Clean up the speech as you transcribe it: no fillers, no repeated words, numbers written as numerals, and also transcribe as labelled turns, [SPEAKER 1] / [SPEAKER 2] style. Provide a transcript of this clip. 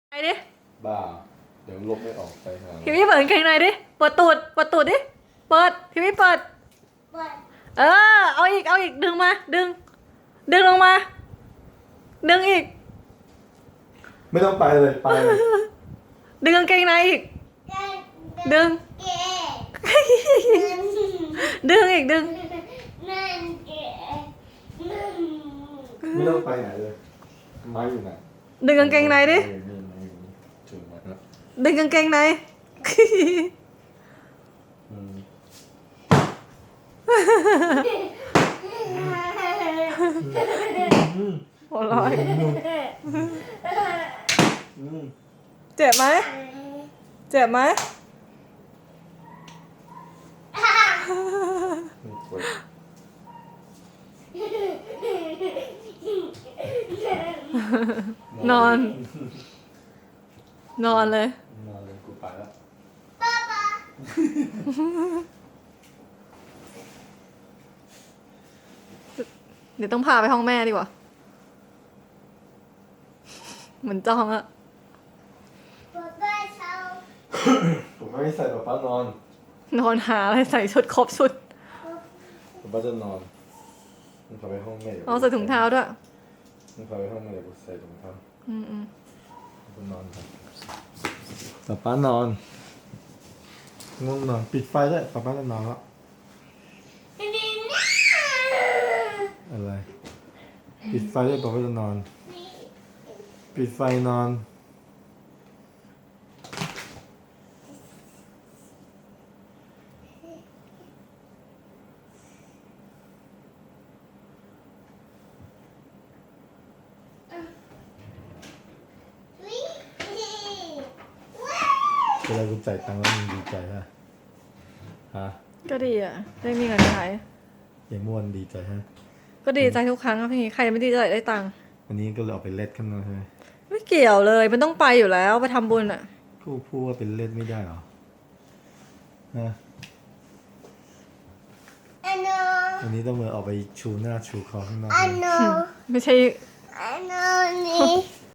[SPEAKER 1] ไหนดิ
[SPEAKER 2] บ้าเดี๋ยวลบไม่ออกไปหา
[SPEAKER 1] พี่เปิดกางเกงในดิเปิดตูดดิเปิดพี่เปิดเออเอาอีกดึงมาดึงลงมาดึงอีก
[SPEAKER 2] ไม่ต้องไปเลยไปเลย
[SPEAKER 1] ดึงกางเกงในอีกดึงดึงอีกดึง
[SPEAKER 2] ไม่ต้องไปไหนเลยไม้อยู่ไหน
[SPEAKER 1] ดึงกางเกงในดิ
[SPEAKER 2] นี่ถึงแล้ว
[SPEAKER 1] ดึงกางเกงใน หัวเร้อยเจ็บไหมเจ็บไหมนอนเลย
[SPEAKER 2] นอนเลยกูไปแล้ว
[SPEAKER 1] เดี๋ยวต้องพาไปห้องแม่ดีกว่า เหมือนจ้องอะ
[SPEAKER 2] ผมไม่ใส่ป๊าป๊านอน
[SPEAKER 1] นอนหาอะไรใส่ชุดครบชุด
[SPEAKER 2] ป๊าป๊าจะนอนมึงพาไปห้องแม่
[SPEAKER 1] เอาใส่ถุงเท้าด้วย
[SPEAKER 2] มึงพาไปห้องแม่เดี๋ยวกูใส่ถุงเท้า
[SPEAKER 1] อืม
[SPEAKER 2] กูนอนครับป๊าป๊านอนง่วงนอนปิดไฟด้วยป๊าป๊าจะนอนแล้วอะไรปิดไฟด้วยป๊าป๊าจะนอนปิดไฟนอนเวลากูจ่ายตังค์แล้วมึงดีใจฮะฮะ
[SPEAKER 1] ก็ดีอ่ะ ได้มีเงินใช้
[SPEAKER 2] อย่างเมื่อวันดีใจฮะ
[SPEAKER 1] ก็ดีใจทุกครั้งครับพี่ ใครไม่ดีใจได้ตังค์
[SPEAKER 2] วันนี้ก็เลยออกไปเล่นข้างนอกใช่ไหม
[SPEAKER 1] ไม่เกี่ยวเลย มันต้องไปอยู่แล้ว ไปทำบุญอ่ะ
[SPEAKER 2] กูพูดว่าเป็นเล่นไม่ได้หรอฮะวันนี้ต้องมาออกไปชูหน้าชูคอข้างนอก
[SPEAKER 1] ไม่ใช่